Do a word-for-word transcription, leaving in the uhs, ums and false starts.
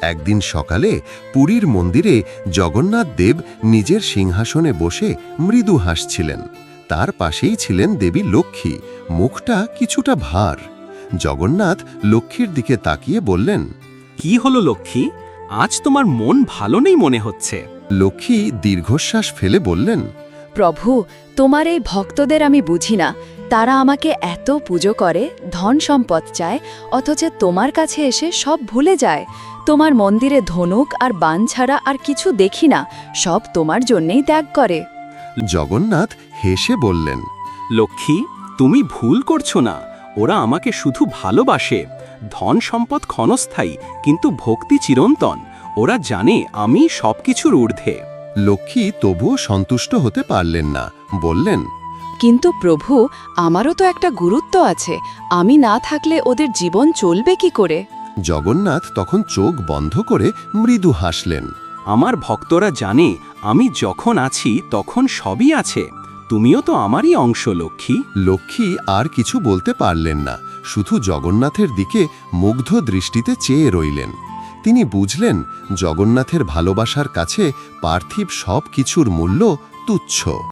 একদিন সকালে পুরীর মন্দিরে জগন্নাথ দেব নিজের সিংহাসনে বসে মৃদু হাসছিলেন। তার পাশেই ছিলেন দেবী লক্ষ্মী, মুখটা কিছুটা ভার। জগন্নাথ লক্ষ্মীর দিকে তাকিয়ে বললেন, কি হলো লক্ষ্মী, আজ তোমার মন ভালো নেই মনে হচ্ছে। লক্ষ্মী দীর্ঘশ্বাস ফেলে বললেন, প্রভু, তোমার এই ভক্তদের আমি বুঝি না। তারা আমাকে এত পুজো করে, ধন সম্পদ চায়, অথচ তোমার কাছে এসে সব ভুলে যায়। তোমার মন্দিরে ধনুক আর বাণ ছাড়া আর কিছু দেখি না, সব তোমার জন্যেই ত্যাগ করে। জগন্নাথ হেসে বললেন, লক্ষ্মী, তুমি ভুল করছো না। ওরা আমাকে শুধু ভালোবাসে। ধন সম্পদ ক্ষণস্থায়ী, কিন্তু ভক্তি চিরন্তন। ওরা জানে আমি সবকিছুর ঊর্ধ্বে। লক্ষ্মী তবুও সন্তুষ্ট হতে পারলেন না, বললেন, কিন্তু প্রভু, আমারও তো একটা গুরুত্ব আছে। আমি না থাকলে ওদের জীবন চলবে কি করে? জগন্নাথ তখন চোখ বন্ধ করে মৃদু হাসলেন। আমার ভক্তরা জানে আমি যখন আছি তখন সবই আছে। তুমিও তো আমারই অংশ লক্ষ্মী। লক্ষ্মী আর কিছু বলতে পারলেন না, শুধু জগন্নাথের দিকে মুগ্ধ দৃষ্টিতে চেয়ে রইলেন। তিনি বুঝলেন জগন্নাথের ভালোবাসার কাছে পার্থিব সব কিছুর মূল্য তুচ্ছ।